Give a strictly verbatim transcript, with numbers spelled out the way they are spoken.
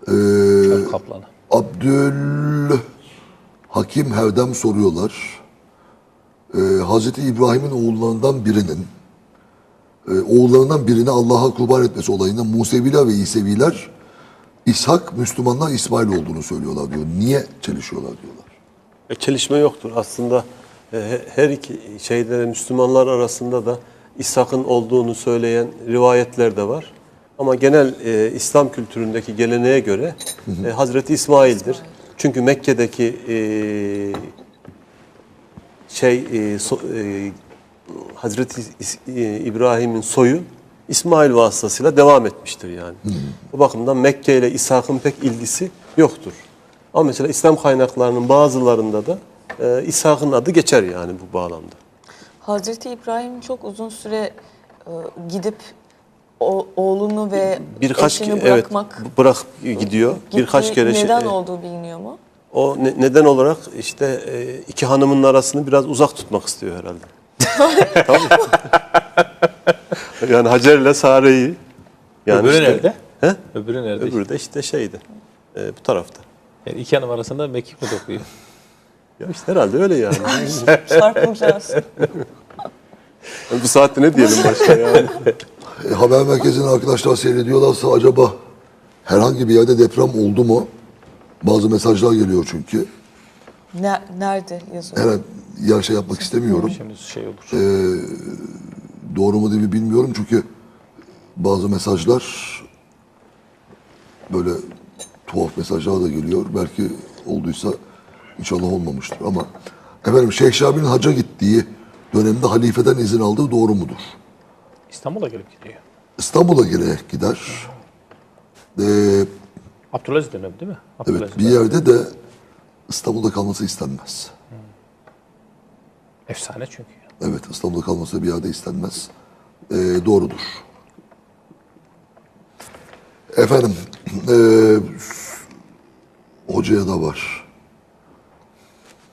Çöl kaplanı. Abdül Hakim Herdem soruyorlar. Ee, Hazreti İbrahim'in oğullarından birinin e, oğullarından birini Allah'a kurban etmesi olayında Museviler ve İseviler İshak, Müslümanlar İsmail olduğunu söylüyorlar diyor. Niye çelişiyorlar diyorlar. E, çelişme yoktur. Aslında e, her iki şeyde Müslümanlar arasında da İshak'ın olduğunu söyleyen rivayetler de var. Ama genel e, İslam kültüründeki geleneğe göre e, Hazreti İsmail'dir. Çünkü Mekke'deki e, şey e, so, e, Hazreti İs- e, İbrahim'in soyu İsmail vasıtasıyla devam etmiştir yani. Bu bakımdan Mekke ile İshak'ın pek ilgisi yoktur. Ama mesela İslam kaynaklarının bazılarında da e, İshak'ın adı geçer yani bu bağlamda. Hazreti İbrahim çok uzun süre e, gidip o, oğlunu ve Birkaç eşini ke- evet bırakmak bırak gidiyor. gitti. Birkaç kere şey- Neden e, olduğu biliniyor mu? o ne- neden olarak işte e, iki hanımın arasını biraz uzak tutmak istiyor herhalde. Tabii. Yani Hacer'le Sare'yi yani Öbürü işte- nerede? He? Öbürü nerede? Öbürü de işte şeydi. e, bu tarafta. Yani iki hanım arasında mekik mi dokuyor? Ya işte herhalde öyle yani. Çarpılacağız. Bu saatte ne diyelim başka yani. E, haber merkezini arkadaşlar seyrediyorlarsa acaba herhangi bir yerde deprem oldu mu? Bazı mesajlar geliyor çünkü. Ne, nerede yazıyor? Her yer şey yapmak istemiyorum. Şimdi şey olur. Doğru mu değil mi bilmiyorum çünkü bazı mesajlar böyle tuhaf mesajlar da geliyor. Belki olduysa inşallah olmamıştır ama efendim Şeyh Şabi'nin hacca gittiği dönemde halifeden izin aldığı doğru mudur? İstanbul'a gelip gidiyor. İstanbul'a girerek gider. Ee, Abdülaziz dönemi değil mi? evet Abdülaziz bir dönemi. yerde de İstanbul'da kalması istenmez. Efsane çünkü. Evet İstanbul'da kalması bir yerde istenmez. Ee, doğrudur. Efendim ee, hocaya da var.